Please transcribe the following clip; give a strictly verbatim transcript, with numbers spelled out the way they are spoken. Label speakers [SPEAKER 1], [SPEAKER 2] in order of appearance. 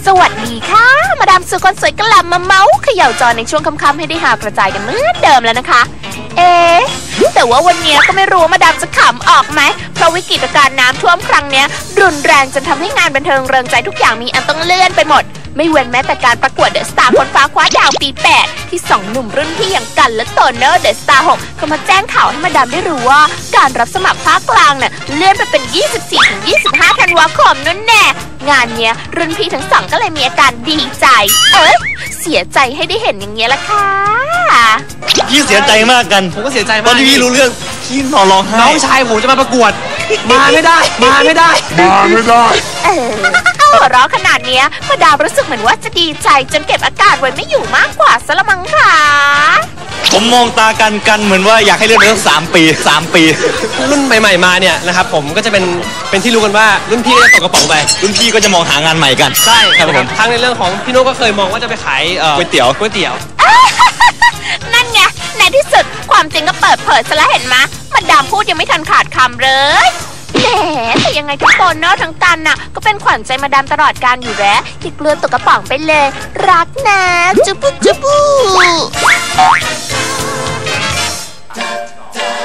[SPEAKER 1] สวัสดีค่ะมาดามสุคนสวยกลับมาเมาส์เขย่าจอในช่วงค่ำๆให้ได้หากระจายกันเหมือนเดิมแล้วนะคะเอ๊ะแต่ว่าวันนี้ก็ไม่รู้ว่ามาดามจะขำออกไหมเพราะวิกฤตการณ์น้ำท่วมครั้งนี้รุนแรงจนทำให้งานบันเทิงเริงใจทุกอย่างมีอันต้องเลื่อนไปหมดไม่เว้นแม้แต่การประกวดเดอะสตาร์คนฟ้าคว้าดาวปีแปดที่สองหนุ่มรุ่นพี่อย่างกันและโตโน่เดอะสตาร์หกก็มาแจ้งข่าวให้มาดามได้รู้ว่าการรับสมัครภาคกลางเนี่ยเลื่อนไปเป็น ยี่สิบสี่ถึงยี่สิบห้า ธันวาคมนั่นแน่งานเนี้ยรุ่นพี่ทั้งสองก็เลยมีอาการดีใจเอ้ยเสียใจให้ได้เห็นอย่างเงี้ยละค่ะ
[SPEAKER 2] พี่เสียใจมากกัน
[SPEAKER 3] ผมก็เสียใจมาก
[SPEAKER 2] ตอนที่พี่รู้เรื่องพี่นอนร้องไห้
[SPEAKER 3] น้องชายผมจะมาประกวดมาไม่ได้มาไม่ได้
[SPEAKER 2] มาไม่ได้
[SPEAKER 1] เออหัวเราะขนาดเนี้ยมาดามรู้สึกเหมือนว่าจะดีใจจนเก็บอาการไว้ไม่อยู่มากกว่าซะละมั้งค่ะ
[SPEAKER 2] ผมมองตากันกันเหมือนว่าอยากให้เลื่อนไปสักสามปีสามปี
[SPEAKER 3] รุ่นใหม่ๆมาเนี่ยนะครับผมก็จะเป็นเป็นที่รู้กันว่ารุ่นพี่ก็จะตกกระป๋องไป
[SPEAKER 2] รุ่นพี่ก็จะมองหางานใหม่กัน
[SPEAKER 3] ใช่ครับผมทั้งในเรื่องของพี่โน้ก็เคยมองว่าจะไปขาย
[SPEAKER 2] ก๋วยเตี๋ยว
[SPEAKER 3] ก๋วยเตี๋ยว
[SPEAKER 1] นั่นไงในที่สุดความจริงก็เปิดเผยซะแล้วเห็นไหมมาดามพูดยังไม่ทันขาดคำเลยแหมแต่ยังไงทุกคนเนาะทั้งกันน่ะก็เป็นขวัญใจมาดามตลอดการอยู่แล้วอย่ากลัวตกกระป๋องไปเลยรักนะจุ๊บจุ๊บ